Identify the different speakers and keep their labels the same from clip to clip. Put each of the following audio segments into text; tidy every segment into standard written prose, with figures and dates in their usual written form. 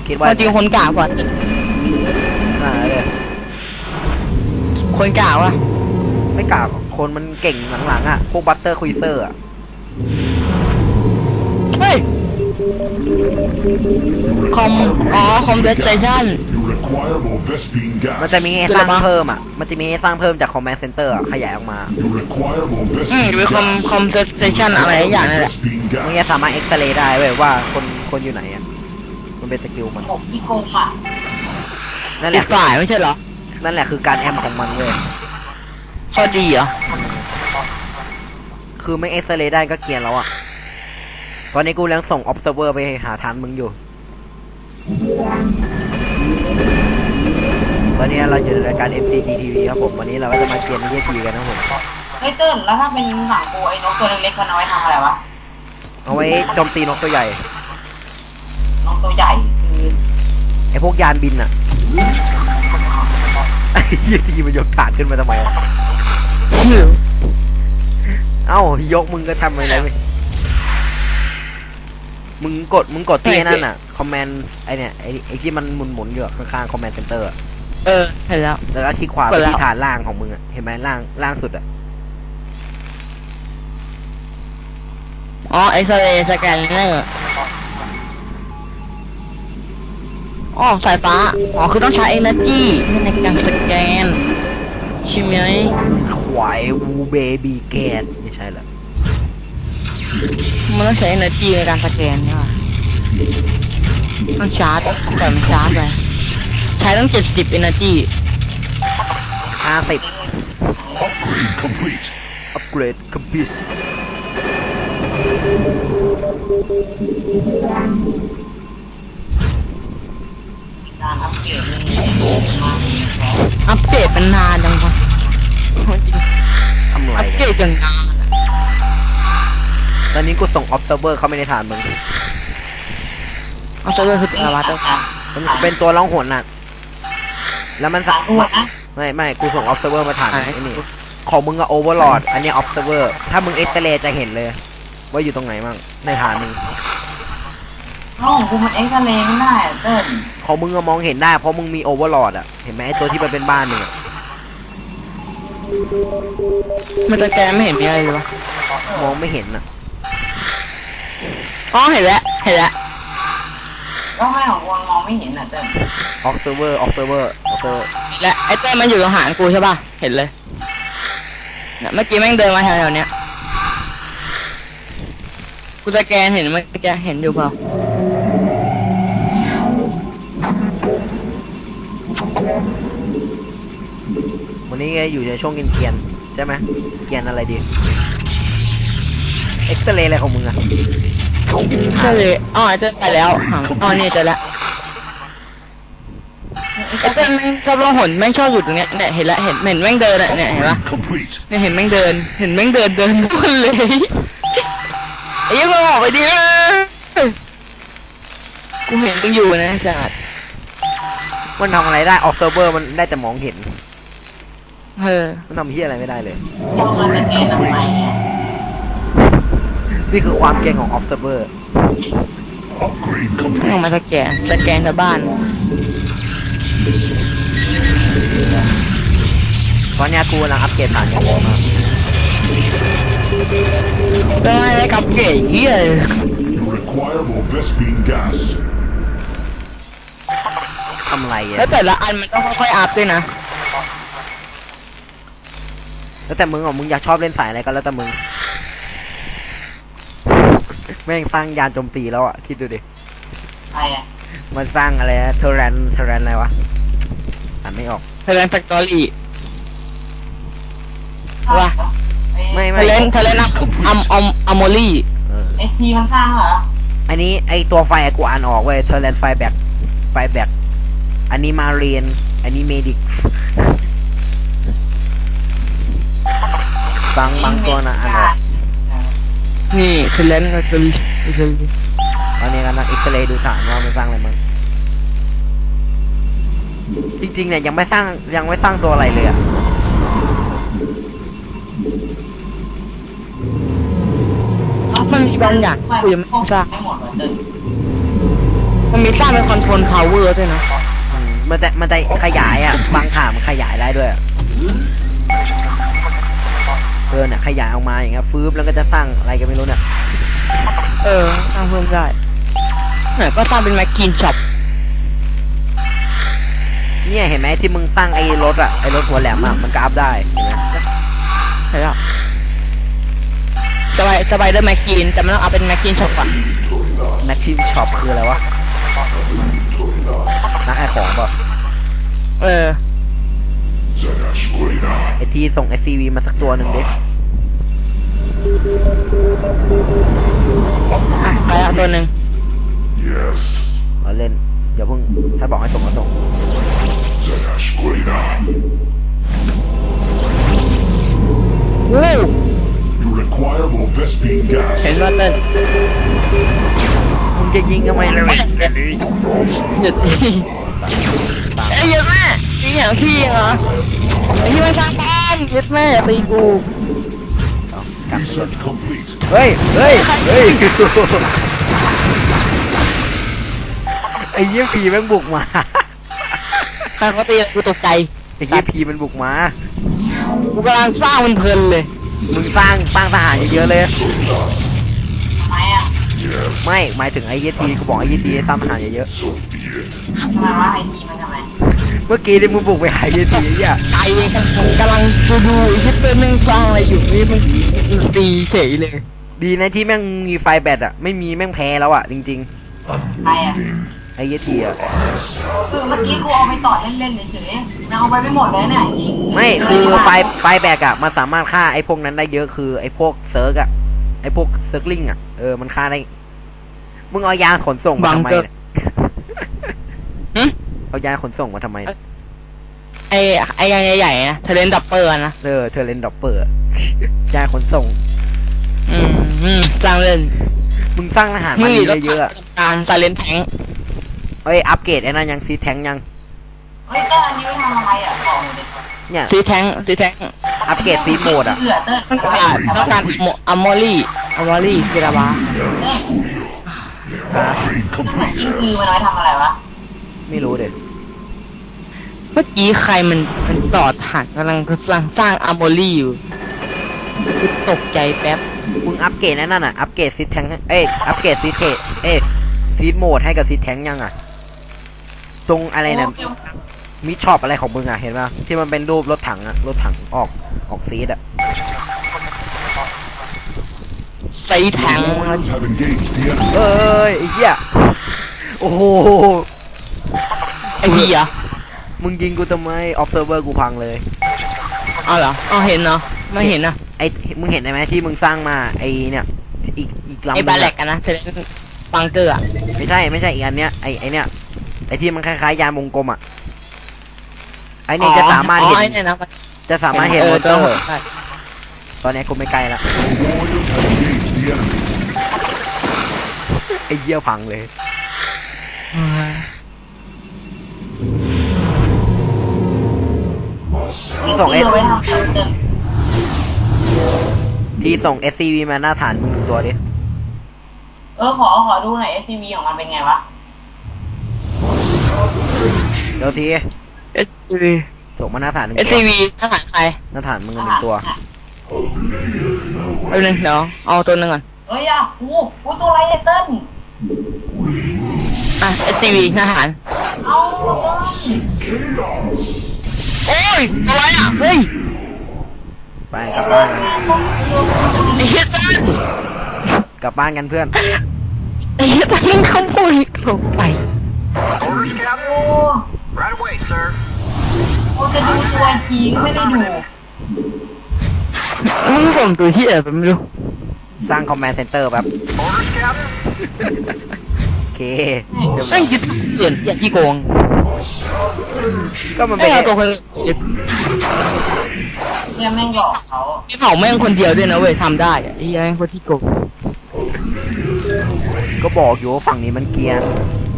Speaker 1: คิดว่า
Speaker 2: จริงคนกากกว่า
Speaker 1: เลย
Speaker 2: คนกากวะ
Speaker 1: ไม่กากคนมันเก่งหลังๆอ่ะพวกบัตเตอร์ควิเซอร์อ่ะ
Speaker 2: เฮ้ยคอมเวสเซชั่น
Speaker 1: มันจะมีสร้างเพิ่มอ่ะมันจะมีสร้างเพิ่มจากคอมแมนด์เซ็นเตอร์ขยายออกมา
Speaker 2: มีคอมเวสเซชั่นอะไรอย่างนั่นแหละ
Speaker 1: มึงจะสามารถเอ็กซเรย์ได้เว้ยว่าคนอยู่ไหนอ่ะมันเป็นสกิลมัน
Speaker 3: ที่โกงอ่ะ
Speaker 1: นั่นแหละ
Speaker 2: ฝ่ายไม่ใช่เหรอ
Speaker 1: นั่นแหละคือการแอมของมันเว้ย
Speaker 2: ข้อดีเหรอ
Speaker 1: คือไม่เอ็กซเรย์ได้ก็เกลียนแล้วอ่ะตอนนี้กูยังส่ง observer ไปหาฐานมึงอยู่วันนี้เราอยู่ในรายการ MCGTV ครับผมวันนี้เราก็จะมาเกมในทีกันนะผม
Speaker 3: เฮ้ยเติ้ลแล้วถ้าเป็นหนังกูไอ้นกตัวเล็กๆมันเอาไว้ทำอะไรวะ
Speaker 1: เอาไว้โจมตีนกตัวใหญ่
Speaker 3: นกตัวใหญ่คือ
Speaker 1: ไอพวกยานบินอ่ะไอ้ยี่ทีมันยกฐานขึ้นมาทำไมเอ้ายกมึงก็ทำอะไรไม่มึงกดที่นั่นอ่ะคอมแมนด์ไอเนี่ยไอที่มันหมุนอยู่ข้างๆคอมแมนด์เซ็นเตอร์
Speaker 2: เห็นแล้ว
Speaker 1: แล้วก็คลิกขวาไปที่ฐานล่างของมึงอ่ะเห็นไหมล่างสุดอ่ะ
Speaker 2: อ๋อเอ็กซเรย์สแกนเนอร์อ๋อสายฟ้าอ๋อคือต้องใช้ energy ในการสแกนใช่ไหม
Speaker 1: ควายวูเบบีแกนไม่ใช่หรอ
Speaker 2: มันต้องใช้ energy ในการสแกนใช่ป่ะต้องชาร์จแต่มันชาร์จไปใช้ต้อง70 energy
Speaker 1: 50 upgrade complete
Speaker 3: การ
Speaker 2: อัปเกรดเป็นนานจังวะ
Speaker 1: ทำไร
Speaker 2: อัปเกรดจนนาน
Speaker 1: ตอนนี้กูส่ง observer เข้าไปในฐานมึง
Speaker 2: observer คืออะไรวะ
Speaker 1: มันเป็นตัวล่องหนน่ะแล้วมันไม่กูส่ง observer มาฐานไอ้นี่ของมึงอะ overlord อันนี้ observer ถ้ามึง x-ray จะเห็นเลยว่าอยู่ตรงไหนมั่งในฐานมึง
Speaker 3: ของกูมันเอ็กซเรย์ไม่ได้เติ้ล
Speaker 1: ของมึงก็มองเห็นได้เพราะมึงมี overlord อะเห็นไหมไอตัวที่มันเป็นบ้านมึงอะ
Speaker 2: มันจะแกไม่เห็นมีอะไรเลยวะ
Speaker 1: มองไม่เห็นอะ
Speaker 2: อ๋อเห็นแล้ว
Speaker 3: ก็ไม่ของกูมองไม่เห็นอ่ะเติ้ล
Speaker 1: observer
Speaker 2: และไอ้เต้มันอยู่ตรงหางกูใช่ป่ะเห็นเลยเนี่ยเมื่อกี้แม่งเดินมาแถวๆเนี้ยกูสแกนเห็นเมื่อกี้เห็นอยู่เปล่า
Speaker 1: วันนี้อยู่ในช่วงเกียนใช่ไหมเกียนอะไรดีเอ็กซเรย์อะไรของมึงอะ
Speaker 2: ใช่เลยอ๋อเจอไปแล้วอ๋อนี่เจอแล้วไอ้เต้นแม่งชอบลงหนแม่งชอบอยู่ตรงเนี้ยเนี่ยเห็นแล้วเห็นแม่งเดินอะเนี่ยเห็นปะเนี่ยเห็นแม่งเดินทุกเลยไอ้ยังบอกไปดิกูเห็นมึงอยู่นะจัด
Speaker 1: มันทำอะไรได้ observer มันได้แต่มองเห็นมันทำเหี้ยอะไรไม่ได้เลยนี่คือความเก่งของ observer
Speaker 2: ต้องมาสแกนชาวบ้าน
Speaker 1: ตอนนี้กูกำลังอัปเกรดฐานอย่างผมนะ
Speaker 2: เป็นไงได้กับเก๋เหี้ย
Speaker 1: ทำอะไรอ่ะ
Speaker 2: แล้วแต่ละอันมันต้องค่อยๆอัพด้วยนะ
Speaker 1: แล้วแต่มึงมึงอยากชอบเล่นสายอะไรก็แล้วแต่มึงแม่งสร้างยานโจมตีแล้วอ่ะคิดดูดิ
Speaker 3: ใครอ่ะ
Speaker 1: มันสร้างอะไรเทเรนอะไรวะอ่านไม่ออก
Speaker 2: เทเรนแฟคทอรี่ว่ะ
Speaker 1: ไม่
Speaker 2: เทเรนอัมโมลี่
Speaker 3: เอทีมันสร้างเหรอ
Speaker 1: อันนี้ไอตัวไฟกูอ่านออกเว้ยเทเรนไฟแบกอันนี้มาเรียนอันนี้เมดิกบางตัวนะอ่านออก
Speaker 2: นี่เทเรนก็คือ
Speaker 1: ตอนนี้กำลังเอ็กซเรย์ดูฐานว่ามันสร้างอะไรบ้างจริงๆเนี่ยยังไม่สร้างตัวอะไรเลยอ่ะ
Speaker 2: มันมีบางอย่างกูยังไม่ทราบมันมีสร้างเป็นคอนโทรลพาวเวอร์ด้วยนะ
Speaker 1: มันจะขยายอ่ะบางขามันขยายได้ด้วยอะเนี่ยขยายออกมาอย่างเงี้ยฟื้บแล้วก็จะสร้างอะไรก็ไม่รู้เนี่ย
Speaker 2: สร้างเพิ่มได้เนี่ยก็สร้างเป็นแมคคีนช็อป
Speaker 1: เนี่ยเห็นไหมที่มึงสร้างไอ้รถอะไอ้รถหัวแหลมอะมันก็อัพได้เห็นไหม
Speaker 2: ใช่แล้วสบายด้วยแมคคีนแต่ไม่ต้องเอาเป็นแมคคีนช็อปก่อน
Speaker 1: แม็กชิมช็อปคืออะไรวะนักไอของป่ะไอที่ส่ง SCV มาสักตัวหนึ่งดิ
Speaker 2: ไปเอาตัวหนึ่ง
Speaker 1: เราเล่นอย่าเพิ่งถ้าบอกให้ส่งมาส่ง
Speaker 2: วู้
Speaker 4: You require more Vespine gas.
Speaker 2: เห็นว่าเต้น
Speaker 1: มึงจะยิงทำไมเลย
Speaker 2: หยุดทีเอ้ยเยอะแม่ตีอย่างที่เหรอไอ้ที่มันสร้างบ้านยึดแม่อย่าตีกู
Speaker 4: Research complete.
Speaker 1: เฮ้ยเฮ้ยเฮ้ยไอ้เยี่ยผีแม่งบุกมา
Speaker 2: ใครเขาตีกูตกใจ
Speaker 1: ไอ้เยี่ยผีมันบุกมา
Speaker 2: กูกำลังสร้างมันเพลินเลย
Speaker 1: มึงสร้างทหารเยอะๆเลย
Speaker 3: ทำไมอ่ะ
Speaker 1: ไม่หมายถึงไอ้เยี่ยทีกูบอกไอ้เยี่ยทีสร้างทหารเยอะ
Speaker 3: ทำไมวะไอทีมันทำไม
Speaker 1: ๆเมื่อกี้ที่มึงบุกไปหาเยี่ยทีอ่ะ
Speaker 2: ใจกำลังดูคิดเป็นแม่งสร้างอะไรอยู่นี่มันตีเฉยเลย
Speaker 1: ดีนะที่แม่งมีไฟแบตอ่ะไม่มีแม่งแพ้แล้วอ่ะจริง
Speaker 3: ใครอ่ะ
Speaker 1: ๆไอ้เยี่ยทีอ่ะ
Speaker 3: คือเมื่อกี้กูเอาไปต่อเล่นๆเฉยๆมันเอาไปไม่หมดเลยเนี่ยอีก
Speaker 1: ไม่คือไฟแบกอะมันสามารถฆ่าไอ้พวกนั้นได้เยอะคือไอ้พวกเซิร์กอะไอ้พวกเซิร์กลิงอะมันฆ่าได้มึงเอายานขนส่งมาทำไมเนี่ย เอายานขนส่งมาทำไมเนี่ย
Speaker 2: ไอ้ยังใหญ่ๆนะเทเลนดับเปอร์นะ
Speaker 1: เธอเล่นดอปเปอร์ ยานขนส่ง
Speaker 2: สร้างเล่น
Speaker 1: มึงสร้างทหารมาเยอะๆอะ
Speaker 2: การไซเลนแทง
Speaker 1: อัปเกรดไอ้นั่นยังซีแทงยัง
Speaker 3: เฮ้ยเต้นอันนี้ไม่ทำอะไรอ่ะบอกเลยดิ
Speaker 1: เนี่ย
Speaker 2: ซีแทง
Speaker 1: อัปเกรดซีโหมดอะ
Speaker 3: เบื่อเต้น
Speaker 2: ต้องการอัมมอรี่กีราบา
Speaker 4: Upgrade complete.
Speaker 3: คือมันไว้ทำอะไรวะ
Speaker 1: ไม่รู้เด็ด
Speaker 2: เมื่อกี้ใครมันต่อฐานกำลังสร้างอัมมอรี่อยู่ตกใจแป๊บ
Speaker 1: มึงอัปเกรดไอ้นั่นอะอัปเกรดซีแทงอัปเกรดซีเทซีโหมดให้กับซีแทงยังอะตรงอะไรเนี่ย มิชอปอะไรของมึงอ่ะเห็นป่ะที่มันเป็นรูปรถถังอ่ะรถถังออกซีดอ่ะ
Speaker 2: ใส่แทง
Speaker 4: Warriors have engaged the enemy.
Speaker 1: เอ้ยไอ้เหี้ยโอ้โห
Speaker 2: ไอ้พี่เหรอ
Speaker 1: มึงยิงกูทำไม observer กูพังเลย
Speaker 2: เอาเหรอเห็นเนาะไม่เห็นนะ
Speaker 1: ไอ้มึงเห็นไหมที่มึงสร้างมาไอ้เนี่ยอีกลำ
Speaker 2: ไอ้
Speaker 1: นึ
Speaker 2: บาง แลก
Speaker 1: อะ
Speaker 2: กันนะเทเลนบังเกอร์อะ
Speaker 1: ไม่ใช่อีกอันเนี้ยไอ้เนี่ยไอ้ที่มันคล้ายๆยานวงกลมอ่ะไอ้เนี่ยจะสามารถเห็น
Speaker 2: ไอ้เนี่ยนะ
Speaker 1: จะสามารถเห็นมอเตอร์
Speaker 2: ใช่
Speaker 1: ตอนนี้กูไม่ใกล้ละ
Speaker 4: Warriors have engaged the enemy.
Speaker 1: ไอ้เหี้ยพังเลย มึงส่ง
Speaker 3: เอาไว้ทำเต้น
Speaker 1: ที่ส่ง SCV มาหน้าฐานมึงดูตัวดิ
Speaker 3: ขอดูหน่อย SCV ของมันเป็นไงวะ
Speaker 1: เดี๋ยวที
Speaker 2: SCV
Speaker 1: ส่งมาหน้าฐานหนึ่งตัว
Speaker 2: SCV ทหารใคร
Speaker 1: หน้าฐานมึงหนึ่งตัว
Speaker 2: เอาหนึ่งเดี๋ยวเอาตัวหนึ่งก่อน
Speaker 3: เฮ้ยอ่ะกูตัวอะไรเนี่ยเต้น
Speaker 2: SCV ทหาร
Speaker 3: เอาเต้น
Speaker 2: โอ้ยอะไรอ่ะเฮ้ย
Speaker 1: ไปกลับบ้านกัน
Speaker 2: ไอ้เหี้ยตัน
Speaker 1: กลับบ้านกันเพื่อน
Speaker 2: ไอ้เหี้ยตันมึงขโมยลงไป
Speaker 3: โอ้
Speaker 5: Right away, sir.
Speaker 3: กูจะดูตัวอีกทีก็ไม่ได้ดู
Speaker 2: มึงส่งตัวที่ไหนไปไม่รู้
Speaker 1: สร้างคอมแมนด์เซ็นเตอร์แบบ
Speaker 5: Orders, Captain.
Speaker 1: โอเคเดี๋ยว
Speaker 2: แม่งยึดเกินอย่าขี้โกง
Speaker 1: ก็มัน
Speaker 2: ไม่
Speaker 1: เป็น
Speaker 2: เอาตัวคนยึด
Speaker 3: เนี่ยแม่งหลอกเขา
Speaker 2: ไอ้เผาแม่งคนเดียวด้วยนะเว้ยทำได้อะไอ้แม่งคนที่โกง
Speaker 1: ก็บอกอยู่ว่าฝั่งนี้มันเกรียน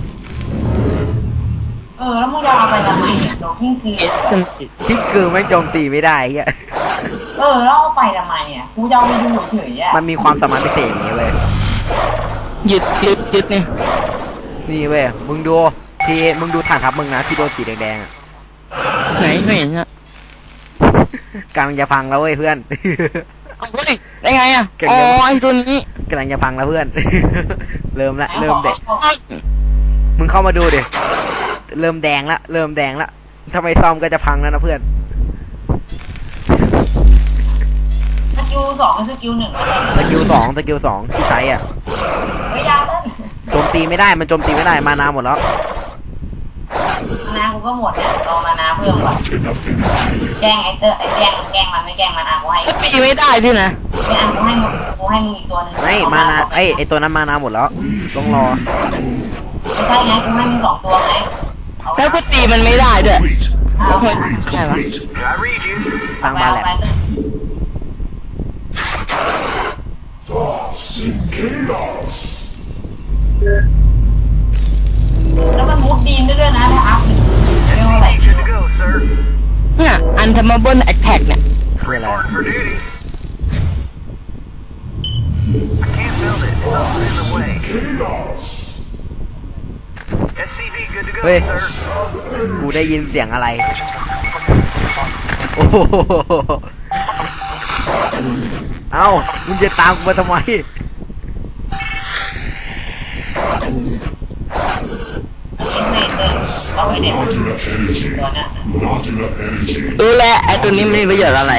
Speaker 3: แล้วมึงจะเอาไปทำไมเนี่ยโดนทิ้งคืน
Speaker 1: ที่คือแม่งโจมตีไม่ได้เฮีย
Speaker 3: แล้วเอาไปทำไมอ่ะกูจะเอาไปดูเฉยๆอ่ะ
Speaker 1: มันมีความสามารถพิเศษอย่างนี้เลย
Speaker 2: ยึดเนี่ย
Speaker 1: นี่เว้ยมึงดูมึงดูฐานทัพมึงนะที่โดนสีแดงๆอะ
Speaker 2: ไหนไม่เห็นอะ
Speaker 1: กำลังจะพังแล้วเว้ยเพื่อน
Speaker 2: เอาเฮ้ยได้ไงอะ
Speaker 1: เก่ง
Speaker 2: อ๋อ
Speaker 1: จัง
Speaker 2: ไอ้ตัวนี้
Speaker 1: กำลังจะพังแล้วเพื่อน เริ่มละเริ่มแดง
Speaker 3: อา
Speaker 1: มึงเข้ามาดูดิเริ่มแดงละถ้าไม่ซ่อมก็จะพังแล้วนะเพื่อน
Speaker 3: สกิล2กับสกิล1อะไร
Speaker 1: สกิลสองที่ใช้อ่ะ
Speaker 3: เฮ้ยยาเต้น
Speaker 1: โจมตีไม่ได้มันโจมตีไม่ได้มานาหมดแล้ว
Speaker 3: มานากูก็หมดเนี่ยรอมานาเพิ่มก่อน แกล้งไอ้เตอร์ไอ้แกล้งมันไม่แกล้งมันกูให้
Speaker 2: ตีไม่ได้ด้วยนะ
Speaker 3: ไม่กูให้มึงอีกตัวหนึง
Speaker 1: ไม่มานาไอตัวนั้นมานาหมดแล้วต้องรอ
Speaker 3: ไม่ใช่ไงกูให้มึง2ตัวไงเอา
Speaker 2: แล้วก็ตีมันไม่ได้ด้วย
Speaker 4: Complete.
Speaker 3: เอาไป
Speaker 4: Upgrade complete.
Speaker 5: Did I read you?
Speaker 1: สร้างบ้านแหละ
Speaker 4: Chaos.
Speaker 3: แล้วมันมุดดีนได้ด้วยนะถ้าอัพเรียกว่าอะไร
Speaker 5: SCV good to go, sir.
Speaker 2: เนี่ยอันทำมาบนแอคแท็กเนี่ย
Speaker 1: คืออะไร
Speaker 5: Reporting for duty. I can't build it. It's in the way.
Speaker 4: Chaos.
Speaker 5: SCV good to go,
Speaker 1: Hey.
Speaker 5: sir.
Speaker 1: กูได้ยินเสียงอะไรโอ้โหเอ้ามึงจะตามกูมาทำไม
Speaker 3: เอาไว้เด็ด
Speaker 4: Not enough energy.
Speaker 3: ตัวเนี้ย
Speaker 4: Not enough energy.
Speaker 2: รู้แล้วไอ้ตัวนี้มีประโยชน์อะไร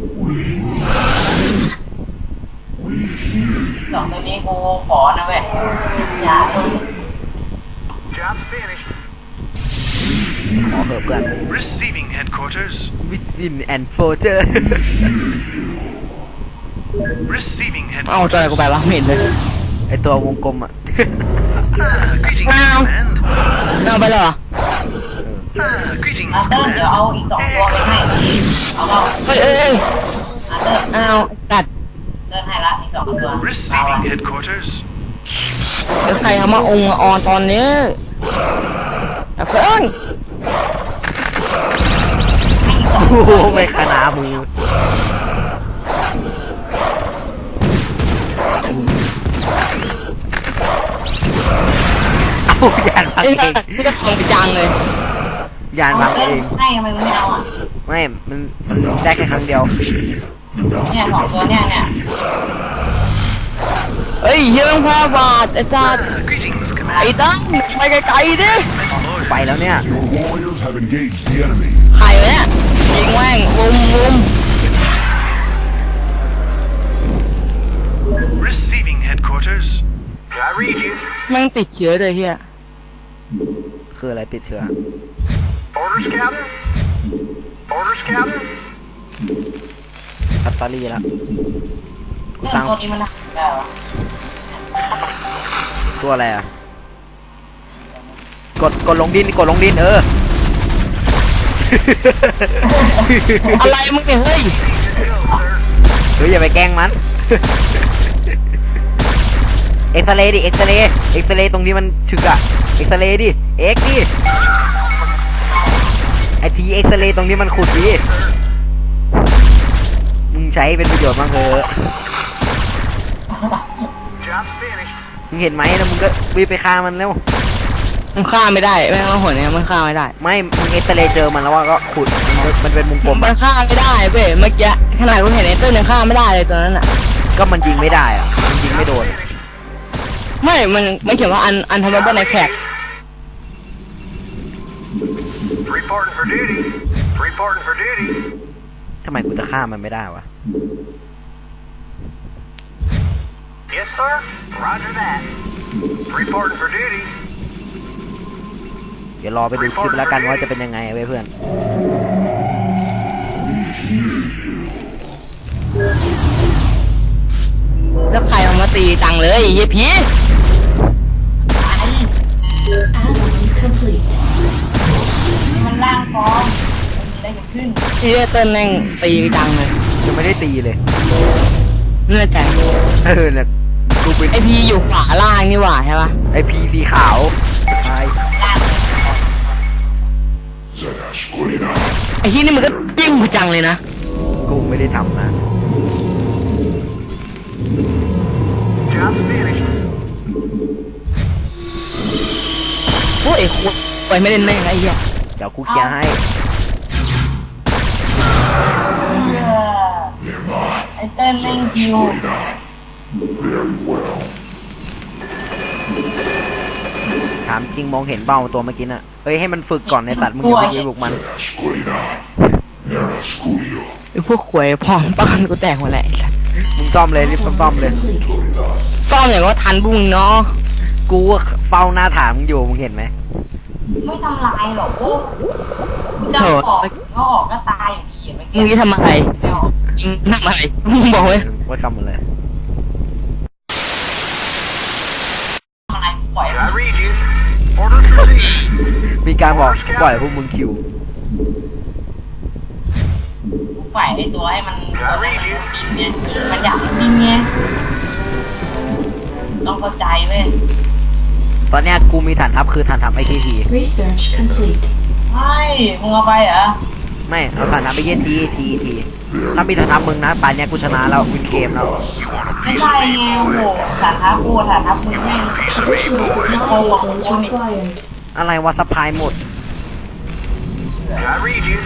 Speaker 3: 2ตัวนี้กูขอนะเว้ยอย่า
Speaker 5: Job's finished.
Speaker 1: ขอเถอะเพื่อน
Speaker 5: Receiving headquarters.
Speaker 1: วิสตินแอนด์โฟเจอร์
Speaker 5: Receiving
Speaker 2: เอ้าจอยกูไปวะไม่เห็นเลย
Speaker 1: ไอตัววงกลมอ่ะ
Speaker 5: Greetings,
Speaker 2: Wow.
Speaker 5: command.
Speaker 2: เอาไปเลยเหรอ
Speaker 5: Greetings,
Speaker 3: อาเตอร์เดี๋ยว
Speaker 5: command.
Speaker 3: เอาอีก2ตัวไปให้เอาเอา
Speaker 2: เฮ้ยเอ้ย
Speaker 3: อาเตอร์
Speaker 2: เอาตัด
Speaker 3: เดินให้ละอีก2ตัวเอา
Speaker 5: Receiving
Speaker 3: อะ
Speaker 5: headquarters.
Speaker 2: เดี๋ยวใครเอามาองค์มาออนตอนนี้อย่าเพิ่ง
Speaker 3: ให้อีก2
Speaker 1: โอ้
Speaker 3: ตัว
Speaker 1: โหไม่ขนามือเอายานพัง
Speaker 2: ไอ้
Speaker 1: เอง
Speaker 2: นี่ก็ทองจังเลย
Speaker 1: ยานพังเอง
Speaker 3: ให้ทำไมมึงไม่เอาอ่ะ
Speaker 1: ไม่มันได้แค่ครั้งเดียว
Speaker 3: เนี่ย2ตัวเนี่ย
Speaker 2: เฮ้ยเฮียต้องพาบาทไอ้สัตว์
Speaker 5: Greetings,
Speaker 2: ไอ้
Speaker 5: command.
Speaker 2: ตั้งไปไกลๆดิ
Speaker 5: Mental
Speaker 1: ไป
Speaker 5: orders.
Speaker 1: แล้วเนี่ย
Speaker 4: Your warriors have engaged the enemy.
Speaker 2: ใครวะเนี่ยยิงแม่งวุม
Speaker 5: Receiving headquarters. Did I read you?
Speaker 2: แม่งติดเชื้อเลยเฮีย
Speaker 1: คืออะไรติดเชื้อ
Speaker 5: Orders, Captain. Orders, Captain.
Speaker 1: แบตเตอรี่ละกู
Speaker 3: เนี่ย
Speaker 1: สร้าง
Speaker 3: ตัวนี้มันได้เหรอ
Speaker 1: ตัวอะไรอ่ะ กดลงดินเออ
Speaker 2: อะไรมึงเนี่ยเฮ้ย
Speaker 1: เฮ้ยอย่าไปแกล้งมัน เอ็กซเรย์ดิเอ็กซเรย์ตรงนี้มันฉึกอะเอ็กซเรย์ดิเอ็กดิไอทีเอ็กซเรย์ตรงนี้มันขุดดิมึงใช้เป็นประโยชน์บ้างเถอะ
Speaker 5: Job's finished.
Speaker 1: มึงเห็นไหมแล้วมึงก็วิ่งไปฆ่ามันแล้ว
Speaker 2: มันฆ่าไม่ได้แม่งเอาหัวเนี่ยมันฆ่าไม่ได้
Speaker 1: ไม่มึงเอ็กซเรย์เจอมันแล้วว่าก็ขุดมันเป็นมุมกลม
Speaker 2: มั
Speaker 1: อะ
Speaker 2: นฆ่าไม่ได้เว้ยเมื่อกี้ขนาดกูเห็นไอ้เต้นยังฆ่าไม่ได้เลยตอนนั้นอ่ะ
Speaker 1: ก็มันยิงไม่ได้อะมันยิงไม่โดน
Speaker 2: ไม่มันเขียนว่าอันทำมาบนแอคแท็ก
Speaker 5: Reporting for duty. Reporting for duty.
Speaker 1: ทำไมกูจะฆ่ามันไม่ได้วะ
Speaker 5: Yes, sir. Roger that. Reporting for duty.
Speaker 1: เดี๋ยวรอไปดูคลิปแล้วกันว่าจะเป็นยังไงเว้ยเพื่อน
Speaker 2: แล้วใครเอามาตีจังเลยเฮียพี
Speaker 3: มันล่างฟอร์มมันมีอะไรเกิดขึ้น
Speaker 2: เฮียเต้นแม่งตีจังเลย
Speaker 1: ยังไม่ได้ตีเลย
Speaker 2: เนื่อใจ
Speaker 1: เนี่ยกูเป็น
Speaker 2: ไอพีอยู่ขวาล่างนี่หว่าใช่ปะ
Speaker 1: ไอพีสีขาวใช่
Speaker 3: ล่าง
Speaker 4: Zadash Kulina.
Speaker 2: ไอที่นี่มันก็จิ้มกูจังเลยนะ
Speaker 1: กูไม่ได้ทำนะ
Speaker 5: Job's finished.
Speaker 2: โอ้ยคุยไปไม่เล่นได้ยังไงเหี้ย
Speaker 1: เดี๋ยวกูเคลียร์ให้
Speaker 3: ไอ้เต้นแม่งคิว
Speaker 4: Very well.
Speaker 1: ถามจริงมองเห็นเบ้าตัวเมื่อกี้น่ะเฮ้ยให้มันฝึกก่อนในสัตว์มึงอย่าไปยิงลูกมัน
Speaker 4: Escuela. Era Sculio.
Speaker 2: ไอ้พวกขวยพองป้านกูแตกหมดแหละไอ้สัส
Speaker 1: มึงซ่อมเลยรีบซ่อมเลย
Speaker 2: ซ่อมอย่างว่าทันบุ้งเนาะ
Speaker 1: กูเฝ้าหน้าถามมึงอยู่มึงเห็นไหม
Speaker 3: ไม่ทำลายหรอกโอ้มึงจะออกก็ออกก็ตายอยู่ดีอ่ะไม่
Speaker 2: มึงจะทำอะไร
Speaker 3: ไม่ออก
Speaker 2: ทำอะไรมึงบอกไว้
Speaker 1: ว่าคำมันเลย
Speaker 3: ทำอะไรปล่อย
Speaker 5: I read you. Orders received.
Speaker 1: มีการบอกปล่อยพวกมึงคิว
Speaker 3: ปล่อยไอ้ตัวให้มันบินเนี่ยมันอยากบินไงต้องเข้าใจเว้ย
Speaker 1: ตอนเนี้ยกูมีฐานทัพคือฐานทัพไอที
Speaker 6: Research complete.
Speaker 3: ใช่มึงเอาไปเหรอ
Speaker 1: ไม่เอาฐานทัพไปเย็นทีถ้ามีฐานทัพมึงนะป่านเนี้ยกูชนะแล้ววินเกมแล้ว
Speaker 3: ไม่ใช่ไงโอ้โหฐานทัพกูฐานทัพมึงแม่ง
Speaker 6: Additional supply depots required.
Speaker 1: อะไรวะสปายหมด
Speaker 5: I read you.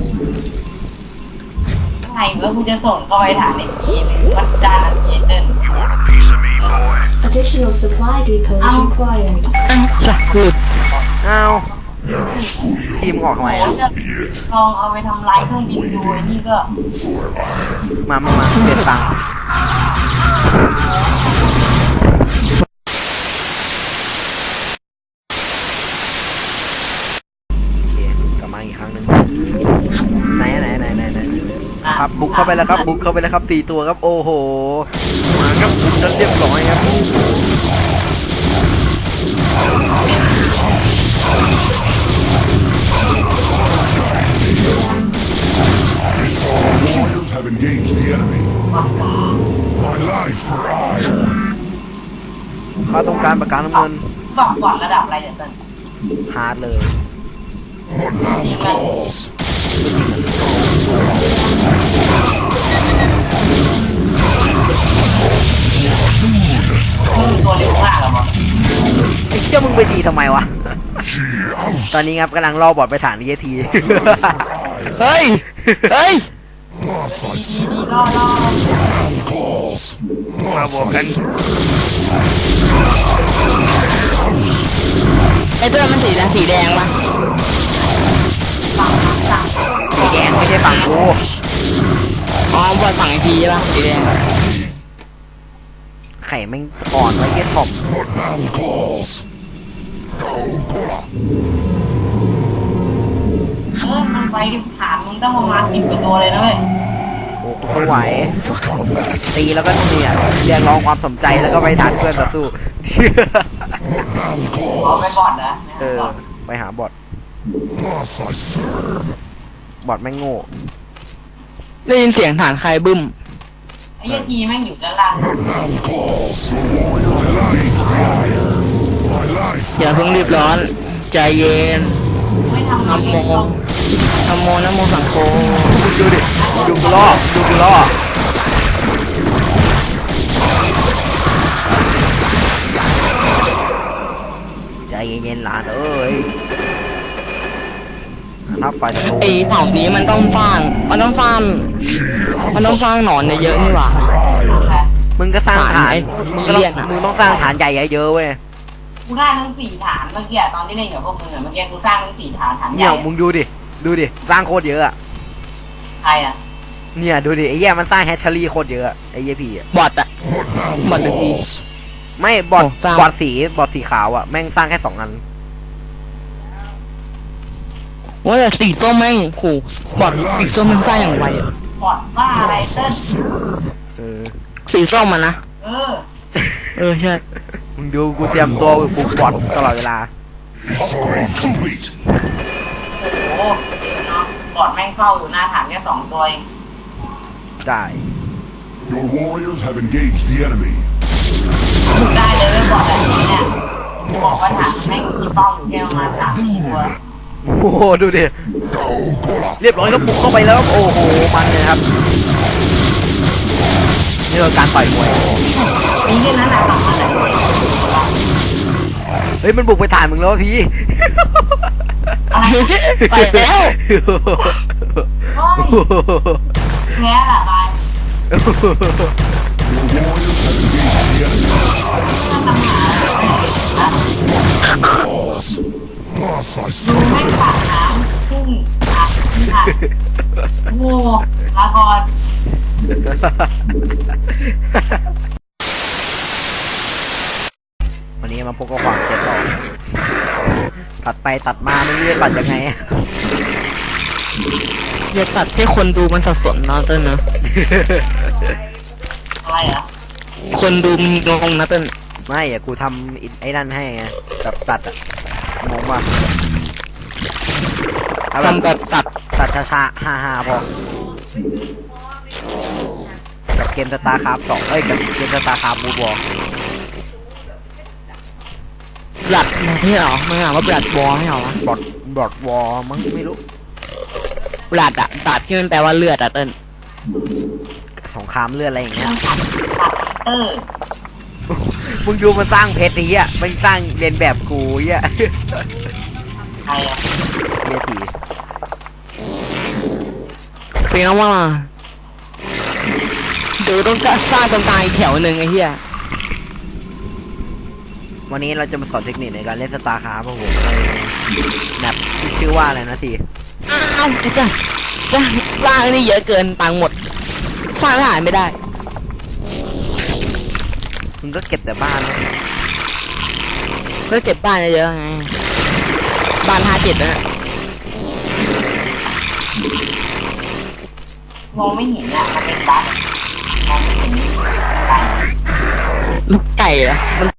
Speaker 3: ไงเมื่อกูจะส่งเข้าไปฐานในทีมวัดจานอันนี้เต้น
Speaker 5: You want a piece of me, boy?
Speaker 6: Additional supply depots required.
Speaker 2: จะพูด
Speaker 1: อ้าว
Speaker 4: Era Sculio.
Speaker 1: ทีมออกทำไม
Speaker 3: โอ้
Speaker 1: อ่ะ
Speaker 3: จะลองเอาไปทำลายเครื่องบินดูไอ้นี่ก็
Speaker 4: For iron.
Speaker 1: มาเปลี่ยนตังค์โอเคกลับมาอีกครั้งหนึ่งไหนครับบุกเข้าไปแล้วครับบุกเข้าไปแล้วครับ4ตัวครับโอ้โหมาครับบุกจนเรียบร้อยครับ
Speaker 4: Warriors have engaged the enemy. My life for iron.
Speaker 1: เขาต้องการประกันน้ำเงิน
Speaker 3: บอกก่อนระดับอะไรเดี๋ยวเต้น
Speaker 1: ฮาร์ดเลย
Speaker 4: What now calls?
Speaker 3: ตัวเร็วมากเหรอวะ
Speaker 1: ไอ้เจ้ามึงไปดีทำไมวะ
Speaker 4: She ousted
Speaker 1: ตอนนี้ครับกำลังล่อบอดไปฐานเยที
Speaker 2: เฮ้ย เฮ้ย
Speaker 4: us I serve.
Speaker 3: ล่อ
Speaker 4: Calls. Us I serve.
Speaker 2: ไอ้เต้นมันสีอะไรสีแดงปะ
Speaker 1: สีแดงไม่ใช่ฝั่งกู
Speaker 2: อ๋อบอลฝั่งไอทีใช่ปะสีแดง
Speaker 1: ไข่แม่งอ่อนไว้เยี่ยถ่อม
Speaker 4: What now calls? Calcola.
Speaker 3: มันไปฐานมึงต้องประมาณ10 กว่าตัวเลยนะเว้ย
Speaker 1: โอ้กูไหว
Speaker 4: For combat.
Speaker 1: ตีแล้วก็เนี่ยเรียกร้องความสนใจแล้วก็ไปฐานเพื่อนต่อสู้
Speaker 4: What now
Speaker 3: เอาไป
Speaker 4: calls?
Speaker 3: ก่อนนะ
Speaker 1: เออ ไปหาบอท
Speaker 4: Us I serve.
Speaker 1: บอทแม่งโง่
Speaker 2: ได้ยินเสียงฐานใครบึ้ม
Speaker 3: ไอ้ทีแม่งอยู่ด้านล่าง
Speaker 4: What now calls? The warriors have engaged the iron. My life
Speaker 2: อย่าเพิ่งรีบร้อน ใจเย็น
Speaker 3: ไม่ทำ
Speaker 2: นะโมนะโมสังโฆ
Speaker 1: ดูดิ ดูกูล่อใจเย็นๆหลานเอ้ยนับไฟตะโก
Speaker 2: ไอ้เผ่านี้มันต้องสร้างมันต้องสร้างหนอนเยอะๆนี่หว่า
Speaker 1: มึงก็สร้างฐาน
Speaker 2: ฐาน
Speaker 1: มึงก็
Speaker 2: เรียกอะ
Speaker 1: มึงต้องสร้างฐานใหญ่เยอะๆเว้ย
Speaker 3: กูได้ทั้ง4 ฐานเมื่อกี้ตอนที่เล่นกับพวกมึงอะเมื่อกี้กูสร้างทั้ง4 ฐานให
Speaker 1: เนี่ย
Speaker 3: ญ่
Speaker 1: มึงดูดิ สร้างโคตรเยอะอะ
Speaker 3: ใครอ่ะ
Speaker 1: เนี่ยดูดิไอ้แย่มันสร้างแฮชเชอรี่โคตรเยอะอะไอ้เหี้ยพี่อะ
Speaker 2: บอทอะ
Speaker 4: What now
Speaker 2: What the
Speaker 4: calls?
Speaker 1: ไม่บอท
Speaker 2: โอ้สร้าง
Speaker 1: บอทสีขาวอะแม่งสร้างแค่2 อัน
Speaker 2: ว่าแต่สีส้มแม่งขู่บอทสีส้มมันสร้างอย่างไวอะ
Speaker 3: บอดว่าอะไรเต้น
Speaker 1: เออ
Speaker 2: สีส้มมันนะ
Speaker 3: เออ
Speaker 2: ใช่
Speaker 1: มึงดูกูเตรียมตัวบุกบอทตลอดเวลา
Speaker 4: Upgrade complete.
Speaker 3: โอ้โหเนาะบอดแม่งเฝ้าอยู่หน้าฐานแค่2 ตัวเอง
Speaker 1: ได้
Speaker 4: Your warriors have engaged the enemy.
Speaker 3: มึงได้เลยบอดแบบนี้เนี่ยบอกว่าฐานแม่งมีเฝ้าอยู่แค่ประมาณ3 ตัว
Speaker 1: โอ้โหดูดิ
Speaker 4: Calcola.
Speaker 1: เรียบร้อยก็บุกเข้าไปแล้วครับโอ้โหมันเลยครับนี่คือการต่อยมวย
Speaker 3: นี่แค่นั้นแหละสำคัญเลย
Speaker 1: เฮ้ยมันบุกไปฐานมึงแล้วพี่
Speaker 3: อะไร
Speaker 2: ไปแล้ว
Speaker 3: เฮ้ยแพ้ละบาย
Speaker 4: Boss, I
Speaker 3: ดู
Speaker 4: saw
Speaker 3: แม่งปากน้ำพุ่งอัดค่ะโอ้ลาก่อน
Speaker 1: วันนี้มาพบกับความเจ็บหรอกตัดไปตัดมาไม่รู้จะตัดยังไง
Speaker 2: อย่าตัดให้คนดูมันสับสนเนาะเต้นนะ
Speaker 3: อะไรเหรอ
Speaker 2: คนดูมันงงนะเต้น
Speaker 1: ไม่อะกูทำไอ้นั่นให้ไงแบบตัดอะงงป่ะเอา
Speaker 2: ทำแบบตัด
Speaker 1: ตัดช้าๆฮ่าๆพอกับเกมสตาร์คราฟ2กับเกมสตาร์คราฟบูบอล
Speaker 2: บลัดไม่เหรอไม่เหรอว่าบลัดวอไม่เหรอวะ
Speaker 1: บอดวอลมั้งไม่รู้
Speaker 2: บลัดอะตัดที่มันแปลว่าเลือดอะเต้น
Speaker 1: สงครามเลือดอะไรอย่างเงี้ย
Speaker 3: ตัดเตอร์
Speaker 1: มึงดูมันสร้างเพชรนี้อ่ะมันสร้างเรียนแบบกูอ่ะ
Speaker 3: ใครอ่ะ
Speaker 1: เบียที
Speaker 2: เป็นไงว่าเดี๋ยวต้องสร้างตรงกลางอีกแถวหนึ่งไอ้เหี้ย
Speaker 1: วันนี้เราจะมาสอนเทคนิคในการเล่นสตาร์คราฟครับผมในแมปที่ชื่อว่าอะไรนะที
Speaker 2: อ้าวจะสร้างนี่เยอะเกินตังค์หมดสร้างหายไม่ได้
Speaker 1: มึงก็เก็บแต่บ้านนะ
Speaker 2: ก็เก็บบ้านเยอะๆไงบ้าน57นะ
Speaker 3: มองไม่เห็นอ่ะมันเป็นบั๊กมองไม่เห็น
Speaker 2: ลูกไก่เหรอมัน